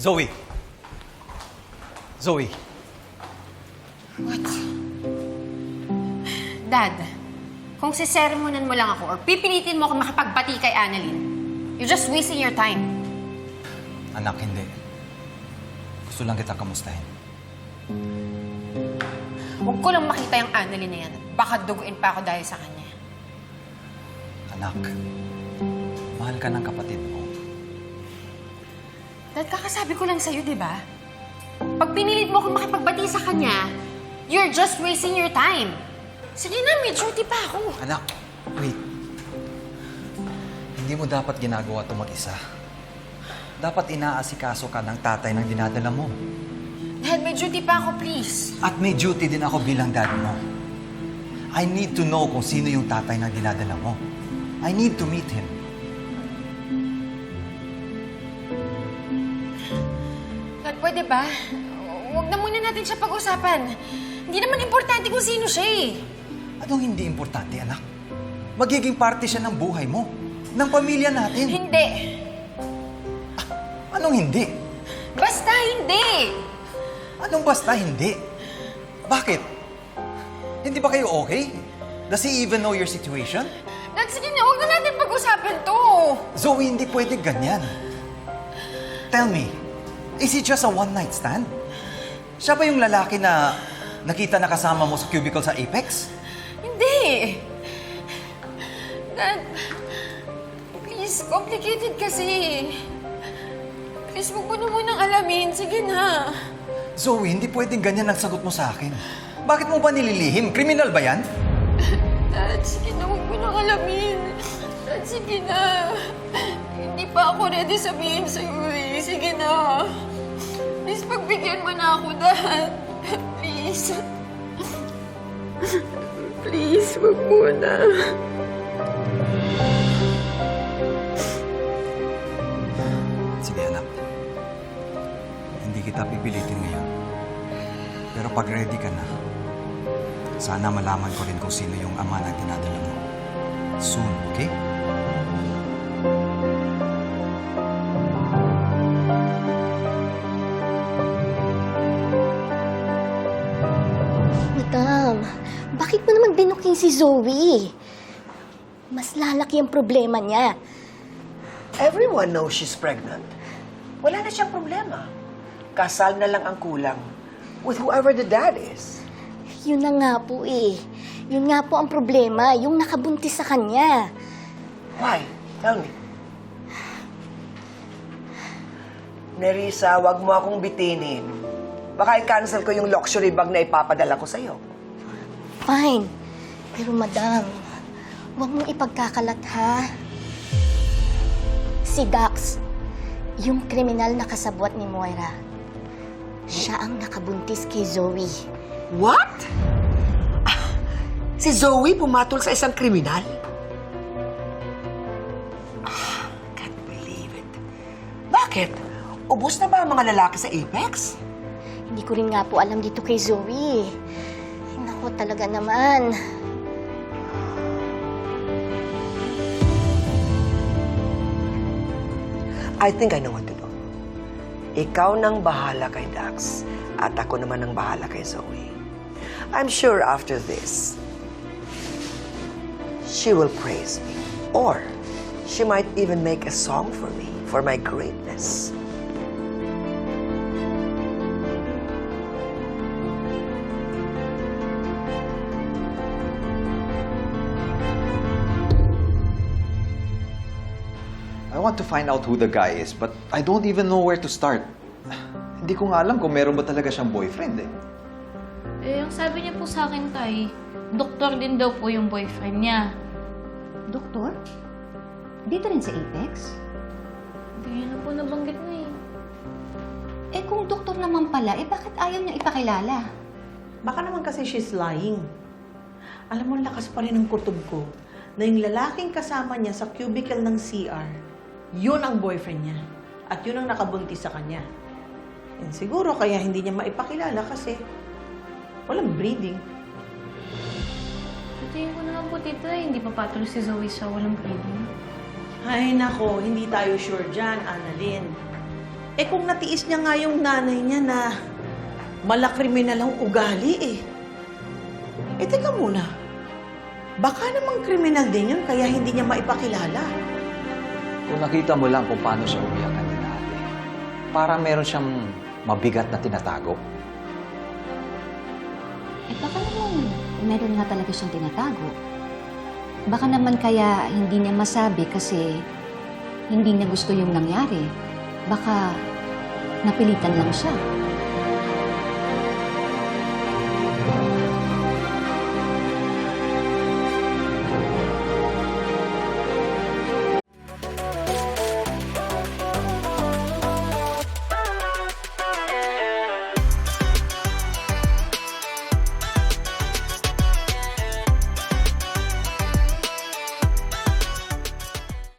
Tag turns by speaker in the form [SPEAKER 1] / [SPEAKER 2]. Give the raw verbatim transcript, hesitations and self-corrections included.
[SPEAKER 1] Zoe! Zoe!
[SPEAKER 2] What? Dad, kung siseremonan mo lang ako or pipilitin mo ako makipagbati kay Annalyn, you're just wasting your time.
[SPEAKER 1] Anak, hindi. Gusto lang kita kamustahin.
[SPEAKER 2] Huwag ko lang makita yung Annalyn na yan. Baka duguin pa ako dahil sa kanya.
[SPEAKER 1] Anak, mahal ka ng kapatid mo.
[SPEAKER 2] Dad, kakasabi ko lang sa'yo, di ba? Pag pinilit mo akong makipagbati sa kanya, you're just wasting your time. Sige na, may duty pa ako.
[SPEAKER 1] Anak, wait. Hindi mo dapat ginagawa ito mag-isa. Dapat inaasikaso ka ng tatay ng dinadala mo.
[SPEAKER 2] Dad, may duty pa ako, please.
[SPEAKER 1] At may duty din ako bilang dad mo. I need to know kung sino yung tatay ng dinadala mo. I need to meet him.
[SPEAKER 2] Dad, pwede ba? Huwag na muna natin siya pag-usapan. Hindi naman importante kung sino siya eh.
[SPEAKER 1] Anong hindi importante, anak? Magiging parte siya ng buhay mo. Ng pamilya natin.
[SPEAKER 2] Hindi.
[SPEAKER 1] Ah, anong hindi?
[SPEAKER 2] Basta hindi.
[SPEAKER 1] Anong basta hindi? Bakit? Hindi ba kayo okay? Does he even know your situation?
[SPEAKER 2] Dad, sige na, huwag na natin pag-usapan to.
[SPEAKER 1] Zoe, hindi pwede ganyan. Tell me, is he just a one-night stand? Siya ba yung lalaki na nakita na kasama mo sa cubicle sa Apex?
[SPEAKER 2] Hindi. Dad, please, complicated kasi. Please, huwag mo na munang alamin. Sige na.
[SPEAKER 1] Zoe, hindi pwedeng ganyan ang sagot mo sa akin. Bakit mo ba nililihim? Kriminal ba yan?
[SPEAKER 2] Dad, sige na, huwag mo nang alamin. Dad, sige na. Hindi pa ako ready sabihin sa'yo eh. Sige na. Please, pagbigyan mo na ako, Dad. Please. Please, wag muna.
[SPEAKER 1] Sige, anak. Hindi kita pipilitin ngayon. Pero pag ready ka na, sana malaman ko rin kung sino yung ama na dinadala mo. Soon, okay?
[SPEAKER 3] Madam, bakit mo naman binuking si Zoe? Mas lalaki ang problema niya.
[SPEAKER 4] Everyone knows she's pregnant. Wala na siyang problema. Kasal na lang ang kulang with whoever the dad is.
[SPEAKER 3] Yun na nga po eh. Yun nga po ang problema, yung nakabuntis sa kanya.
[SPEAKER 4] Why? Tell me. Nerissa, wag mo akong bitinin. Baka i-cancel ko yung luxury bag na ipapadala ko sa'yo.
[SPEAKER 3] Fine. Pero madam, huwag mong ipagkakalat ha. Si Dax, yung kriminal na kasabwat ni Moira, siya ang nakabuntis kay Zoe.
[SPEAKER 4] What? Ah, si Zoe pumatol sa isang kriminal? Ah, can't believe it. Bakit? Ubus na ba ang mga lalaki sa Apex?
[SPEAKER 3] Hindi ko rin nga po alam dito kay Zoe. Ay, naku, talaga naman.
[SPEAKER 4] I think I know what to do. Ikaw nang bahala kay Dax at ako naman ang bahala kay Zoe. I'm sure after this, she will praise me. Or she might even make a song for me, for my greatness.
[SPEAKER 1] I want to find out who the guy is, but I don't even know where to start. Hindi ko nga alam kung meron ba talaga siyang boyfriend eh.
[SPEAKER 5] Eh, ang sabi niya po sa akin, Tay, doktor din daw po yung boyfriend niya.
[SPEAKER 6] Doktor? Dito rin sa Apex?
[SPEAKER 5] Hindi na po nabanggit na eh.
[SPEAKER 6] Eh kung doktor naman pala, eh bakit ayaw niya ipakilala?
[SPEAKER 7] Baka naman kasi she's lying. Alam mo, lakas pa rin ng kutob ko na yung lalaking kasama niya sa cubicle ng C R, yun ang boyfriend niya. At yun ang nakabuntis sa kanya. And siguro kaya hindi niya maipakilala kasi walang breeding.
[SPEAKER 5] Sa tingin ko naman po, tita, hindi pa patuloy si Zoe sa walang breeding.
[SPEAKER 7] Ay nako, hindi tayo sure dyan, Annalyn. Eh kung natiis niya nga yung nanay niya na malakriminal ang ugali eh. Eh teka muna, baka namang kriminal din yun kaya hindi niya maipakilala.
[SPEAKER 8] Kung nakita mo lang kung paano siya umiyak kanina ate, parang meron siyang mabigat na tinatago.
[SPEAKER 6] Eh baka naman meron nga talaga siyang tinatago. Baka naman kaya hindi niya masabi kasi hindi niya gusto yung nangyari. Baka napilitan lang siya.